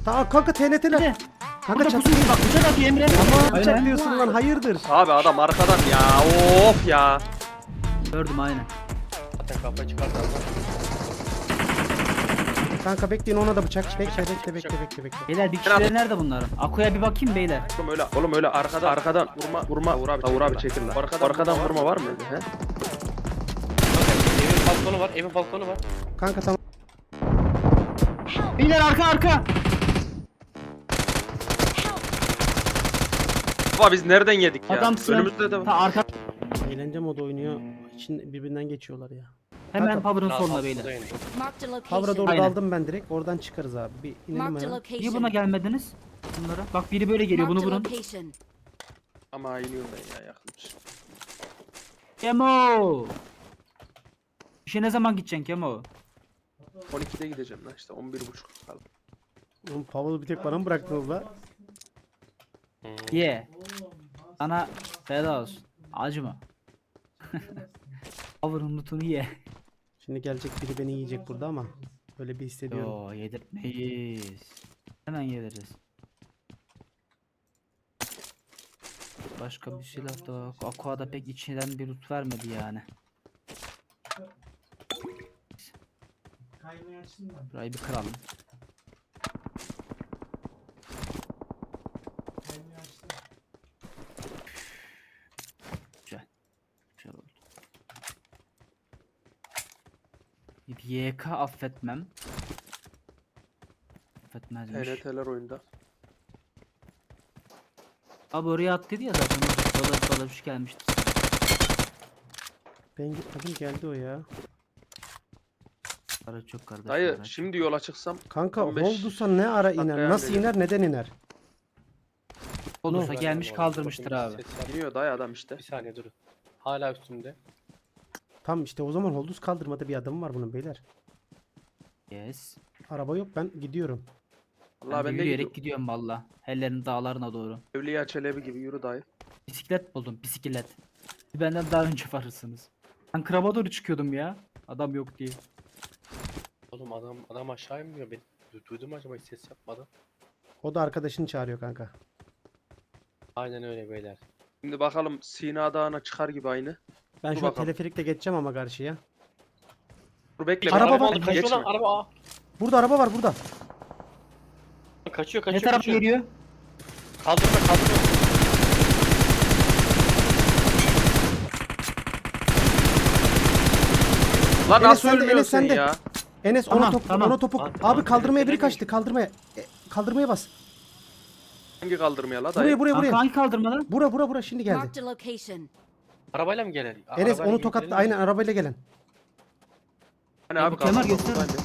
Tamam kanka TNT'ler. Kanka Burada çat. pusu bak bıçak atıyor Emre. Tamam Aynen. çatlıyorsun lan hayırdır. Abi adam arkadan ya. Of ya. Gördüm aynen. Zaten kafayı çıkardı adam. Kanka bekleyin ona da bıçak. Bekle. Beyler bir kişileri nerede bunların? Akuya bir bakayım beyler. Oğlum öyle arkadan vurma. Uğur abi çekil lan. Arkadan vurma var mı öyle he? Evin balkonu var. Evin balkonu var. Kanka tamam. Beyler arka. Baba biz nereden yedik ya? Adamsın. Önümüzde de var. Ta arka. Eğlence modu oynuyor. İçin birbirinden geçiyorlar ya. Hemen Kanka, Power'ın Daha soluna altında beyler. indi. Marked a Power'a location. doğru Aynen. daldım ben direkt. Oradan çıkarız abi. Bir inelim Marked a ya. location. Niye buna gelmediniz? Bunlara. Bak biri böyle geliyor bunu Marked a vurun. location. Ama iniyorum ben ya yakınmış. Kemo. İşe ne zaman gideceksin Kemo? 12'de gideceğim lan işte 11.30 kaldı. Oğlum Power'ı bir tek bana mı bıraktınız la? Ye. Sana feda olsun. Acıma. Power'ın lootunu ye. Şimdi gelecek biri beni yiyecek burada ama. Öyle bir hissediyorum. Yo yedirtmeyiz. Hemen yediririz. Başka bir silah da yok. Aqua'da pek içinden bir loot vermedi yani. Burayı bir kıralım. Güzel. Güzel oldu. Bir YK affetmem. Affetmezmiş. TNT'ler oyunda. Abi oraya attıydı ya zaten. Dolar gelmişti. Ben gitmedim geldi o ya. Para çok kardeş. Dayı para. şimdi yola çıksam Kanka 15 Holdus'a ne ara dakikaya iner? Nasıl geliyor. iner? Neden iner? Olursa Ben gelmiş de kaldırmıştır bakayım, abi. ses yap. iniyor dayı adam işte. Bir saniye durun. Hala üstümde. Tam işte o zaman Holdus kaldırmada bir adım var bunun beyler. Yes. Araba yok ben gidiyorum. Vallahi Ben de ben de yürüyerek gidiyorum valla. Hellerin dağlarına doğru. Evliya Çelebi gibi yürü dayı. Bisiklet buldum bisiklet. Benden daha önce varırsınız. Ben kraba doğru çıkıyordum ya. Adam yok diye. Oğlum adam aşağı inmiyor. Ben duydum acaba hiç ses yapmadı. O da arkadaşını çağırıyor kanka. Aynen öyle beyler. Şimdi bakalım Sina Dağı'na çıkar gibi aynı. Ben Dur şu an bakalım. teleferikle geçeceğim ama karşıya. Dur bekle. Araba araba var. alıp Kaçıyor lan geçme. araba. Aa. Burada araba var burada. Kaçıyor Ne taraf kaçıyor. geliyor? Kaldırma. Lan Enes nasıl sende, Enes ölmüyorsun sende. ya? Enes Tamam, ona top tamam. ona topu. Tamam, Abi tamam. kaldırmaya biri Bekle, kaçtı. Kaldırmaya. Kaldırmaya bas. Hangi kaldırmaya la dayı? Buraya Kanka buraya. hangi kaldırmadan? Bura şimdi geldi. Marked a location. Arabayla mı gelir? Enes onu tokatla aynen arabayla gelen. Hani abi Kemal kaldırma göster. buradaydı.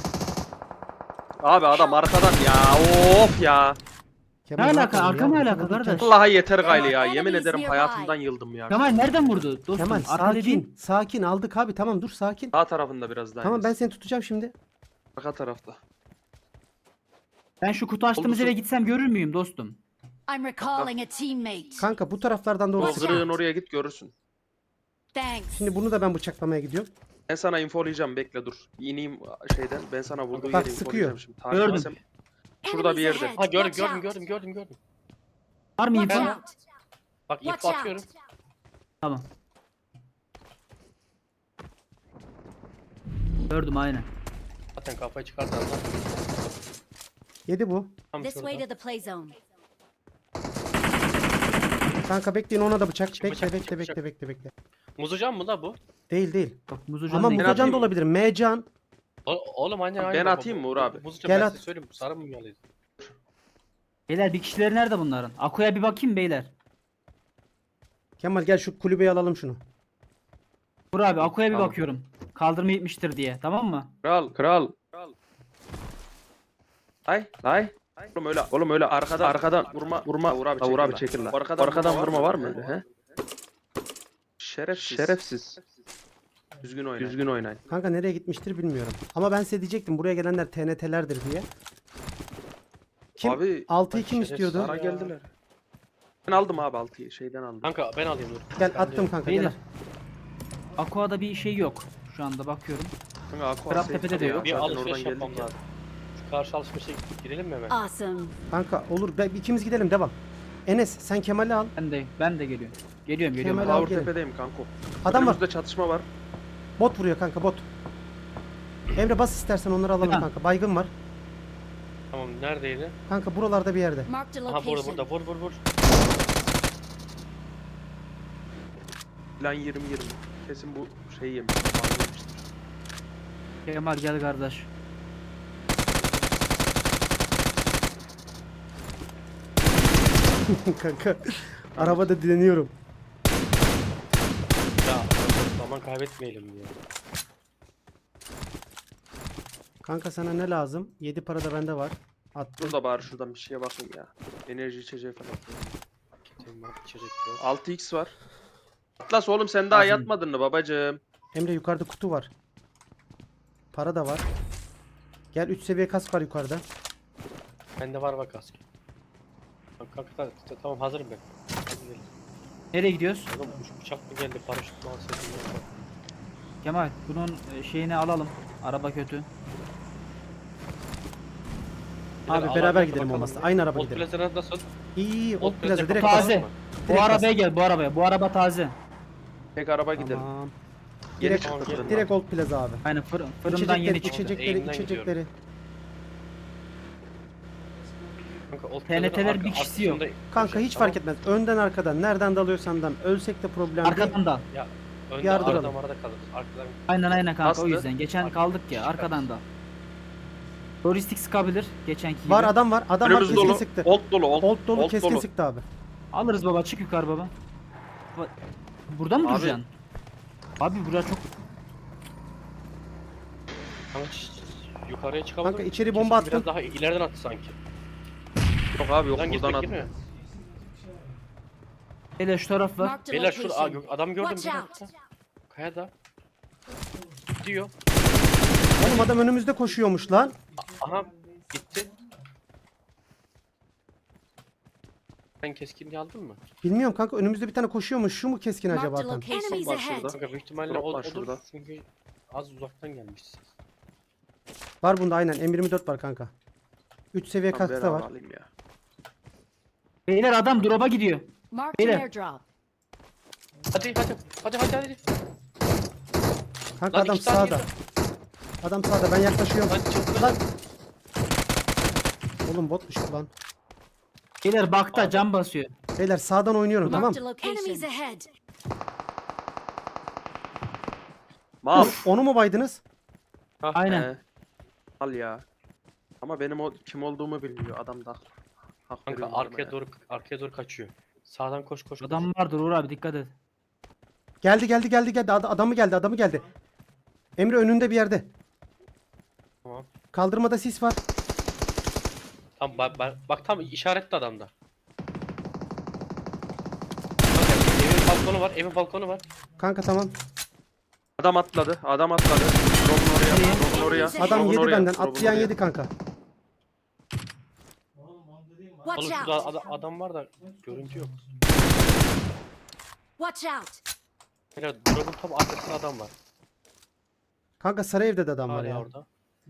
Abi adam arkadan ya. Of ya. Kemal, Ne alaka? yapalım Arka ya? mı Bu alaka kadar kardeş? Vallahi yeter gayri ya. Enemies Yemin ederim nearby. hayatımdan yıldım ya. Kemal nereden vurdu? Dostum Kemal arka dediğin. sakin. Sakin aldık abi tamam dur sakin. Sağ tarafında biraz daha. Tamam ben Enes. seni tutacağım şimdi. Arka tarafta. Ben şu kutu açtığımız Oldu, eve gitsem görür müyüm dostum? I'm recalling a teammate. Kanka bu taraflardan doğru O Watch sıkıyor. kırığın oraya git görürsün. Thanks. Şimdi bunu da ben bıçaklamaya gidiyorum. Ben sana infolayacağım bekle dur. İneyim şeyden. Ben sana vurduğu Bak, yeri sıkıyor. infolayacağım şimdi. Takip Gördüm. etsem- Şurada bir Enemies yerde. ahead. Ha Watch out. gördüm. Var mı Watch info? out. Bak Watch ip out. atıyorum. Tamam. Gördüm aynen. Zaten kafayı çıkardı adam. Yedi bu. Tam This way şurada. to the play zone. Kanka bekleyin ona da bıçak. Çık Bekle bıçak, çık bekle. Muzucan mı la bu? Değil. Bak muzucan Ama değil. Ben Muzacan atayım da mı? olabilir. Mecan. Oğlum aynen Ben baba. atayım mı Uğur abi? Muzucan Gel ben at. size söyleyeyim. Sarı mumyalıydı. Beyler bir kişileri nerede bunların? Akuya bir bakayım beyler. Kemal gel şu kulübeyi alalım şunu. Vur abi Akuya bir Tamam. bakıyorum. Kaldırma yetmiştir diye tamam mı? Kral. Lay. Oğlum öyle arkadan vurma. Uğur abi çekil lan. Arkadan vurma var mı öyle he? Şerefsiz. Düzgün oynayın. Kanka nereye gitmiştir bilmiyorum. Ama ben size diyecektim buraya gelenler TNT'lerdir diye. Kim? Abi 6'yı kim şerefsiz istiyordu? sana geldiler. Ben aldım abi 6'yı şeyden aldım. Kanka ben alayım dur. Gel Ben attım diyorum. kanka Beyler. gel. Aqua'da bir şey yok. Şu anda bakıyorum. Kanka Aqua Kral safe Tepe'de de tabii ya, yok. Bir zaten alışveriş oradan yapmam geldik ya. lazım. karşı alışverişe girelim mi hemen? Awesome. Kanka olur. İkimiz gidelim devam. Enes sen Kemal'i al. Ben de geliyorum. Geliyorum. Kemal Geliyorum. abi. Power tepedeyim kanko. Adam var. Önümüzde çatışma var. Bot vuruyor kanka bot. Emre bas istersen onları alalım Tamam. kanka. Baygın var. Tamam neredeydi? Kanka buralarda bir yerde. Marked a Aha burada location. burada vur. Plan 20-20. Kesin bu şeyi yemiş. Kemal gel kardeş. Kanka arabada dileniyorum. Ya zaman kaybetmeyelim ya. Kanka sana ne lazım? 7 para da bende var. Attım. Dur da bari şuradan bir şeye bakayım ya. Enerji içeceği falan. Tamam içecek yok. 6x var. Atlas oğlum sen daha Lazım. yatmadın mı babacığım? Emre yukarıda kutu var. Para da var. Gel 3 seviye kask var yukarıda. Bende var bak kask. Kanka tamam hazırım ben. Hadi gidelim. Nereye gidiyoruz? Oğlum uçak mı geldi paraşüt mü alsaydın ya? Kemal bunun şeyini alalım. Araba kötü. Abi Bilal, beraber alan gidelim bakalım olmazsa. ya. Aynı araba Old gidelim. Plaza'da nasıl? İyi Old Old Plaza Plaza direkt taze. bas. Bu Direkt arabaya bas. gel bu arabaya. Bu araba taze. Tek araba gidelim. Tamam. Yeni Direkt, çıktı fırından. direkt Old Plaza abi. Aynen fırından yeni çıktı. içecekleri, Eğimden içecekleri. Kanka Old TNT'ler Plaza'nın bir kişisi yok. arkasında- Kanka hiç fark etmez. Önden arkadan. Nereden dalıyorsan dal. Ölsek de problem değil. Arkadan da. Ya önde Yardıralım. arada kalırız. Arkadan Aynen kanka Bastı. o yüzden. Geçen kaldık ya arkadan da. Logistik sıkabilir geçenki gibi. Var adam var. Adam var Önümüz keskin dolu. sıktı. Old dolu. Old dolu keskin sıktı abi. Alırız baba çık yukarı baba. Burada mı Abi- duracaksın? Abi burası çok... Kanka yukarıya çıkalım. Kanka içeri bomba attım. Biraz daha ileriden attı sanki. Yok abi yok Buradan buradan gitmek at. girmiyor. Hele şu taraf var. Marked a Beyler şurada location. adam gördüm Watch bir out. dakika. Kayada. Gidiyor. Oğlum adam önümüzde koşuyormuş lan. Aha gitti. Sen keskinliği aldın mı? Bilmiyorum kanka önümüzde bir tane koşuyormuş. Şu mu keskin acaba Marked a tam? location. Enemies Var ahead. şurada. Kanka büyük ihtimalle Drop var odur şurada. çünkü az uzaktan gelmişsiniz. Var bunda aynen. M24 var kanka. 3 seviye Tamam, kask da var. beraber alayım ya. Beyler adam drop'a gidiyor. Marked an Beyler. airdrop. Hadi. Kanka Lan adam iki tane sağda. girdi. Adam sağda. Ben yaklaşıyorum. Lan çıktı. Lan. Oğlum botmuş bu lan. Beyler bakta cam basıyor. Beyler sağdan oynuyorum tamam. Marked a location. Enemies ahead. Mal. Onu mu baydınız? Aynen. Al ya. Ama benim o kim olduğumu bilmiyor adam da. Hak Kanka veriyorum adama arkaya doğru kaçıyor. Sağdan koş. Adam vardır Uğur abi dikkat et. Geldi. Adamı geldi. Emre önünde bir yerde. Tamam. Kaldırmada sis var. Tam bak tam işaretli adamda. Kanka, evin balkonu var. Kanka tamam. Adam atladı. Drop'un oraya. Adam Drop'un yedi oraya, benden. drop'un Atlayan oraya. yedi kanka. Watch Oğlum şurada out. adam var da görüntü yok. Watch out. Beyler drop'un tam arkasında adam var. Kanka sarı evde de adam var Hala ya. orada.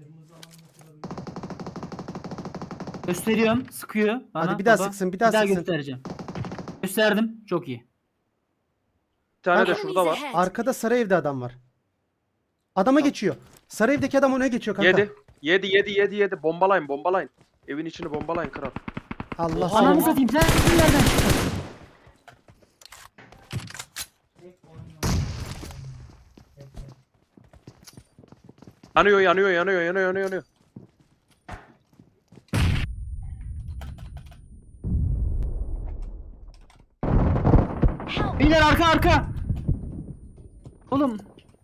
Gösteriyorum. Sıkıyor. Bana, Hadi bir daha baba. sıksın, bir daha sıksın. göstereceğim. Gösterdim. Çok iyi. Bir tane de Enemies şurada var. ahead. Arkada sarı evde adam var. Adama geçiyor. Sarı evdeki adam öne geçiyor kanka. Yedi. Bombalayın. Evin içini bombalayın kral. Allah Oha. Ananı seni. satayım sen nereden çıktın? Yanıyor. Help. Beyler arka. Oğlum.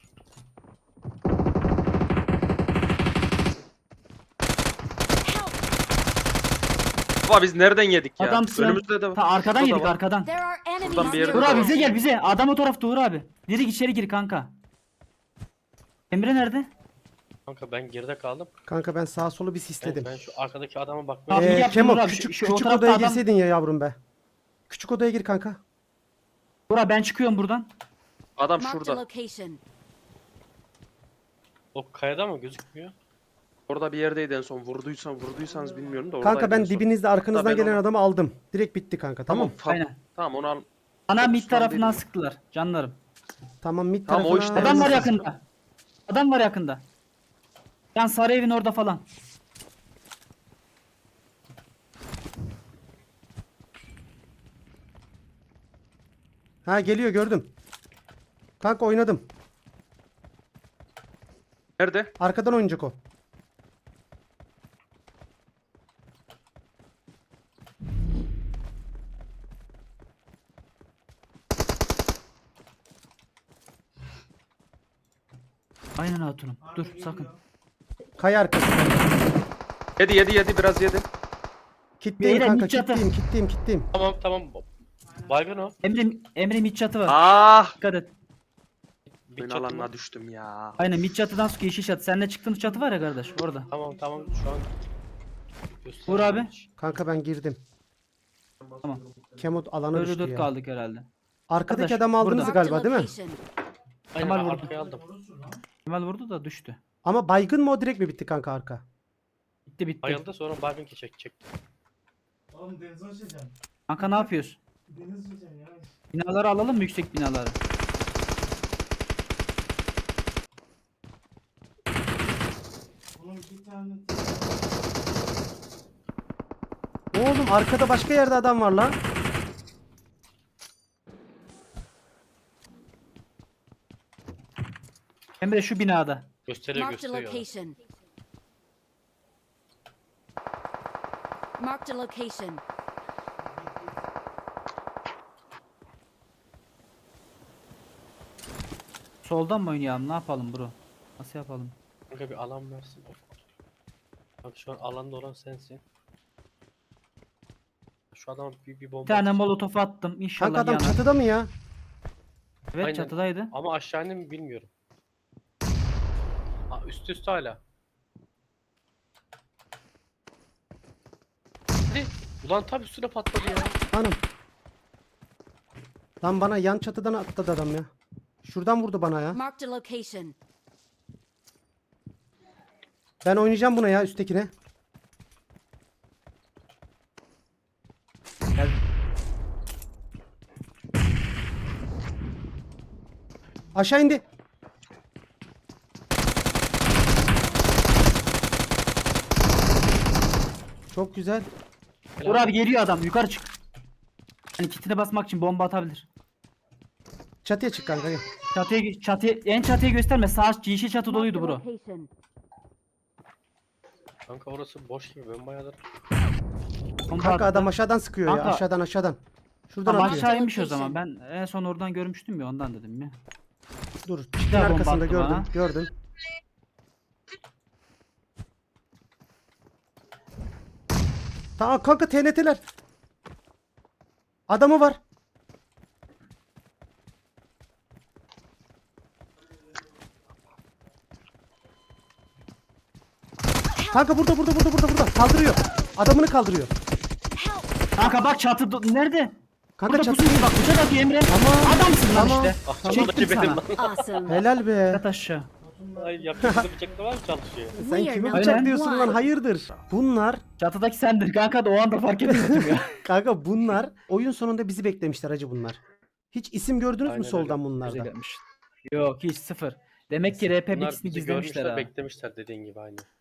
Help. Baba biz nereden yedik ya? Adam sıra. Önümüzde de Ta arkadan şurada yedik var. arkadan. There are enemies Buradan bir yere Uğur Burada abi var. bize gel bize. Adam o tarafta Uğur abi. Direkt içeri gir kanka. Emre nerede? Kanka ben geride kaldım. Kanka ben sağa solu bir sisledim. Ben şu arkadaki adama bakmaya Abi yaptın Kemo Uğur abi, küçük şu o küçük tarafta odaya adam- girseydin ya yavrum be. Küçük odaya gir kanka. Uğur abi ben çıkıyorum buradan. Adam Marked a şurada. location. O kayada mı gözükmüyor? Orada bir yerdeydi en son. Vurduysanız bilmiyorum da Kanka oradaydı ben en son. dibinizde arkanızdan Ben gelen onu- adamı aldım. Direkt bitti kanka, tamam. Aynen. Tamam onu al. Ana mid Fokuslan tarafından dedim. sıktılar canlarım. Tamam, mid Tamam, o tarafına. işte. Adam var Evet. yakında. Adam var yakında. Yan sarı evin orada falan. Ha, geliyor, gördüm. Kanka oynadım. Nerede? Arkadan oynayacak o. Aynen hatunum. Dur sakın. Kaya arkası. Yedi biraz yedi. Kitleyim Beyler, kanka, mid çatı. kitleyim. Tamam. Baygın o. Emre mid çatı var. Ah! Dikkat et. Bir Oyun çatı alanına mı? düştüm ya. Aynen mid çatıdan sıkıyor yeşil çatı. Seninle çıktığımız çatı var ya kardeş orada. Tamam şu an. Vur abi. Kanka ben girdim. Tamam. Kemot alanı Böyle düştü 4 ya. kaldık herhalde. Arkadaki Arkadaş, adamı aldınız burada. galiba değil mi? location. Aynen Kemal ben vurdu. arkaya aldım. Kemal vurdu da düştü. Ama baygın mı o, direkt mi bitti kanka arka? Bitti. Bayıldı sonra baygın ki çekti. Oğlum denize uçacağım. Kanka ne yapıyoruz? Deniz uçacağım yavaş. Binaları alalım mı, yüksek binaları? Oğlum bir tane Oğlum arkada başka yerde adam var lan. Emre şu binada. Gösteriyor. Marked a location. Marked a location. Soldan mı oynayalım? Ne yapalım bro? Nasıl yapalım? Kanka bir alan versin. Bak şu an alanda olan sensin. Şu adam bir bomba Bir tane atacak. molotof attım. İnşallah Kanka adam yanar. çatıda mı ya? Evet Aynen. çatıdaydı. Ama aşağı indi mi bilmiyorum. Üst hala. Hadi. Ulan tam üstüne patladı ya. Hanım. Lan bana yan çatıdan atladı adam ya. Şuradan vurdu bana ya. Marked a location. Ben oynayacağım buna ya, üsttekine. Gel. Aşağı indi. Çok güzel. Uğur abi geliyor adam. Yukarı çık. Hani kitine basmak için bomba atabilir. Çatıya çık kanka. Gel. En çatıya gösterme. Sağ yeşil çatı doluydu bro. Location. Kanka orası boş gibi ben bayağıdır. Bomba Kanka attı. adam aşağıdan sıkıyor ya. Kanka. Aşağıdan. Şuradan Tamam, atıyor. aşağı inmiş o zaman. Ben en son oradan görmüştüm ya, ondan dedim ya. Dur. daha Çitin bomba arkasında attı gördüm. bana. Gördüm. Tamam kanka, TNT'ler. Adamı var. Kanka burada. Kaldırıyor. Adamını kaldırıyor. Help! Kanka bak çatı nerede? Kanka Burada çatı. pusuyu bak, bıçak atıyor Emre. Tamam. Adamsın lan Tamam. işte. Ah, Çektim benim sana. lan. Awesome. Helal be. Yat aşağı. Ay yapacak bıçakla var mı çalışıyor? Sen We are kimi number bıçaklıyorsun lan, one. hayırdır? Bunlar Çatıdaki sendir kanka, da o anda fark etmedim ya. kanka bunlar oyun sonunda bizi beklemişler hacı bunlar. Hiç isim gördünüz mü Aynen soldan öyle. bunlardan? Güzel yapmış. Yok hiç sıfır. Demek ki RP Bunlar bilgisini bizi gizlemişler görmüşler, ha. beklemişler dediğin gibi aynı.